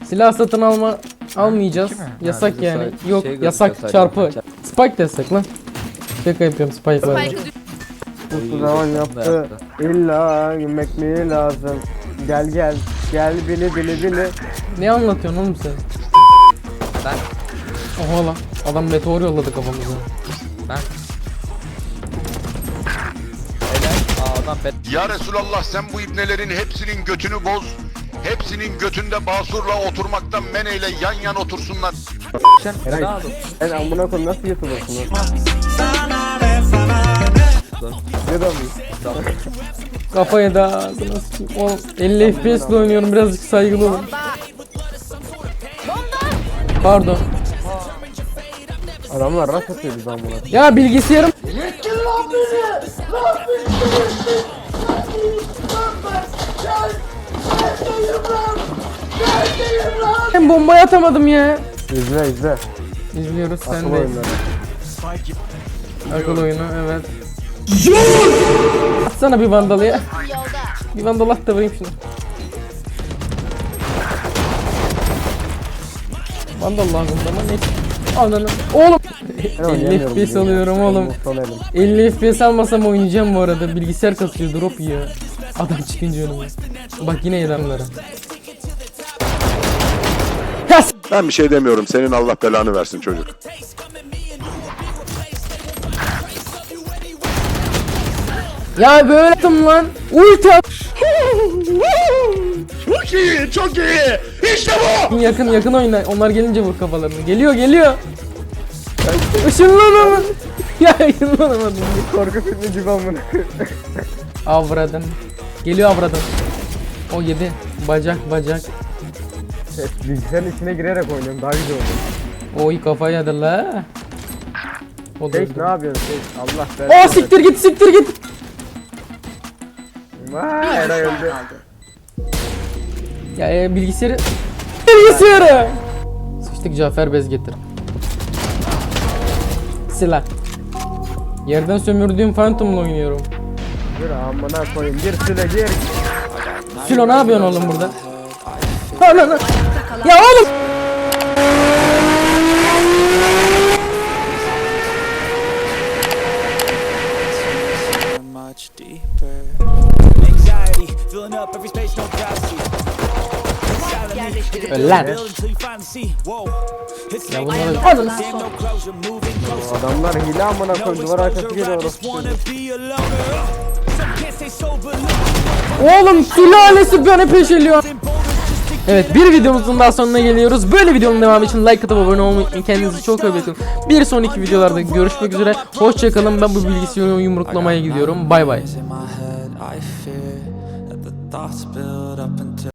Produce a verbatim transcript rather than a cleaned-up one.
Silah satın alma almayacağız. Yasak Ha, yani. şey Yok gözüküyor yasak sadece. çarpı. Spike destek lan. Şaka yapıyorum Spike var. Spike'ı Bu zaman yaptı. İlla gülmek mi lazım? Gel gel. Gel bili bili bili. Ne anlatıyorsun oğlum sen? Ben Oha lan. Adam meteor yolladı kafamıza. ben Helal. Aa, adam bet. Ya Resulallah sen bu ibnelerin hepsinin götünü boz. Hepsinin götünde basurla oturmaktan meneyle yan yan otursunlar. Sen Eray. ne aldın? Sen amına koyayım nasıl YouTube'asın lan? Ne da mı? Kafaya da ağzına sıçayım. Oğlum elli F P S ile oynuyorum, birazcık saygılı olun. Pardon. Adamlar rast atıyor biz amına koyayım. Ya bilgisayarım. Ben bombayı atamadım ya. İzle izle. İzliyoruz sen Asıl de. oyunları. Akıl oyunu evet. Atsana bir vandalı ya. yolda. Bir vandal at da vurayım şunu. Vandal lazım ama ne? Ananı. Oğlum. elli F P S alıyorum oğlum. elli F P S almasam oynayacağım bu arada. Bilgisayar kasıyor, drop yiyor. Adam çıkınca önüme. Bak yine adamlara. Ben bir şey demiyorum. Senin Allah belanı versin çocuk. Ya böyle yaptım lan. Ulti at. Çok iyi, çok iyi. İşte bu. Yakın yakın oyna. Onlar gelince vur kafalarını. Geliyor geliyor. Işınlanamadım. Ya ışınlanamadım. Korku filmi gibi amına koyayım. Avradan. Geliyor avradan. O yedi. Bacak bacak. Bilgisayarın içine girerek oynuyorum daha güzel oluyor. Oy kafaya yedi la. O da Tek öldü. ne yapıyorsun tek? Allah belanı. Aa siktir git siktir git. Vay Eray öldü. Ya e, bilgisayarı. Bilgisayarı. Sıçtık Cafer bez getir. Silah. Yerden sömürdüğüm Phantom'la oynuyorum. Gir amına koyayım gir süre gir. Silo ne yapıyorsun oğlum burada? Ananı. Ya oğlum. much deeper. Anxiety filling up every space, no privacy. Öl lan. Build until you finally see. Whoa. It's Ya like bunlara alın. damn no closure, moving closer. Adamlar hile amına No koyayım duvar arkası exposure, geliyor I just orası. wanna be a loner. Some can't stay sober. Oğlum sülalesi beni peşeliyor. Evet, bir videomuzun daha sonuna geliyoruz. Böyle videonun devamı için like atıp abone olmayı unutmayın. Kendinize çok iyi bakın. Bir sonraki videolarda görüşmek üzere. Hoşçakalın. Ben bu bilgisayarı yumruklamaya gidiyorum. Bay bay. In my head, I fear that the thoughts build up until